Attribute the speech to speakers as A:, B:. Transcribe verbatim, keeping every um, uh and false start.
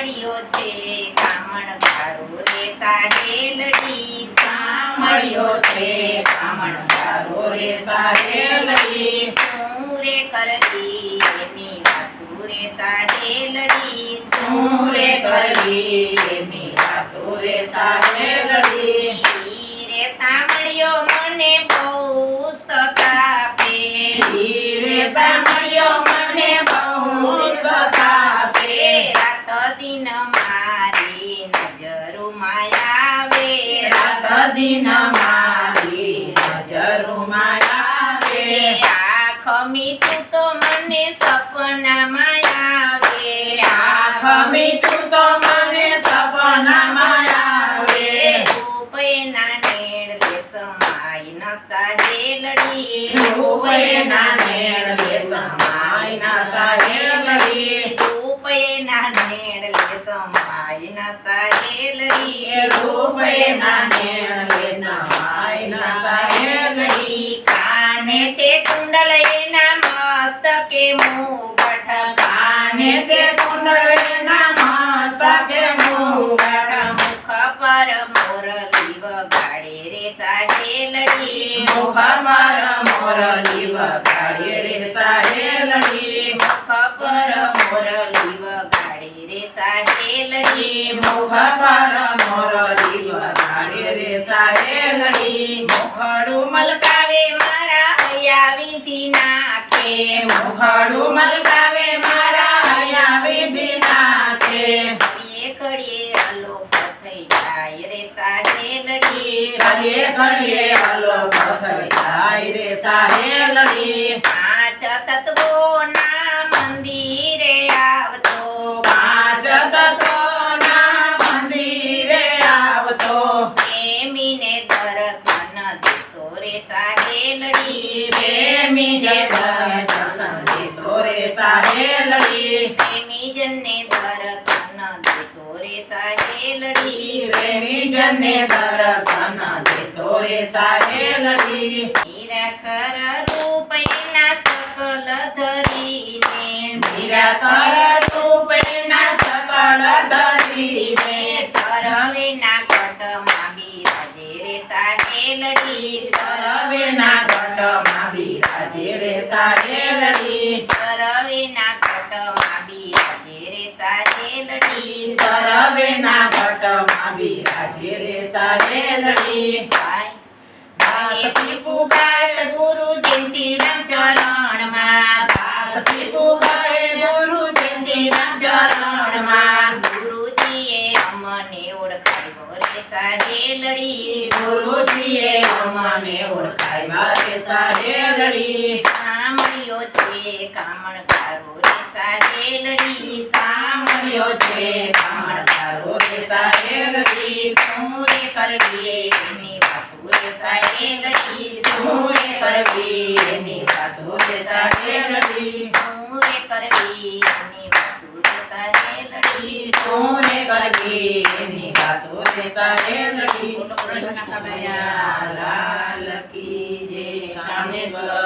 A: સાંભળ્યો છે કામણકારો રે સાહેલડી
B: સાંભળ્યો છે કામણકારો રે સાહેલડી
A: શું રે કરવી એની વાતો રે સાહેલડી
B: શું રે કરવી એની વાતો રે સાહેલડી
A: રે સાંભળ્યો મને બહુ સતાપે
B: રે સાંભળ્યો મને બહુ સતાપે
A: રાત દિન મારી નજરોમાં આવે
B: રાત દિન મારી નજરોમાં આવે
A: આંખ મીઠું તો મને સપનામાં આવે
B: આંખ મીઠું તો મને સપનામાં આવે
A: રૂપેના નેડલે સમાય ન સાહેલડી
B: રૂપેના નેડલે સમાય ન સાહેલડી
A: રૂપેના નેડલે સમાય ન સાહેલડી
B: રૂપેના નેડલે સમાય ન સાહેલડી
A: કાને છે કુંડલ એના મસ્તકે મુગટ
B: કાને છે કુંડળ એના મસ્તકે મુગટ
A: મુખ પર મોરલી વગાડે રે સાહેલડી
B: મુખ પર મોરલી વગાડે રે સાહેલડી
A: મુખ પર મોરલી વગાડે રે સાહેલડી
B: મુખ પર મોરલી વગાડે રે સાહેલડી
A: મુખડું મલકાવે મારા હૈયા વિંધી નાખે
B: મુખડું મલકાવે મારા હૈયા વિધિ નાખે
A: ઘડીએ ઘડીએ અલોપ થઈ જાય રે સાહેલડી
B: ઘડીએ ઘડીએ અલોપ થઈ જાય રે સાહેલડી
A: પાંચ તત્વોના મંદિરે આવતો
B: પાંચ તત્વોના મંદિરે આવતો
A: પ્રેમીને દર્શન દેતો રે સાહેલડી
B: પ્રેમી જે દર્શન દેતો રે સાહેલડી
A: પ્રેમી જનને દર્શન દેતો રે સાહેલડી
B: પ્રેમી જનને દર્શન દેતો રે સાહેલડી
A: નિરાકર રૂપેના સકલ ધરીને
B: નિરાકર રૂપેના સકળ ધરીને
A: સરવેના ઘટમાં બિરાજે રે સાહેલડી
B: સરવેના ઘટમાં બિરાજે રે સાહેલડી
A: સરવેના ઘટમાં બિરાજે રે સાહેલડી
B: સરવેના ઘટમાં બિરાજે રે સાહેલડી દાસ પીપુ ગાય
A: ગુરુ જયંતીરામ ચરણમાં
B: દાસ પીપુ ગાય ગુરુ જયંતીરામ ચરણમાં
A: ગુરુજીએ અમને ઓળખાવ્યો રે સાહેલડી
B: ગુરુજીએ અમને ઓળખાવ્યા રે સાહેલડી
A: સાંભળ્યો છે કામણકારો રે સાહેલડી
B: સાંભળ્યો છે કામણકારો રે સાહેલડી
A: શું રે કરવી એની વાતો રે સાહેલડી
B: શું રે કરવી એની વાતો રે સાહેલડી
A: શું રે કરવી એની વાતો રે સાહેલડી
B: શું રે કરવી એની વાતો રે સાહેલડી કૃષ્ણ કનૈયા લાલ કી જય કામેશ્વર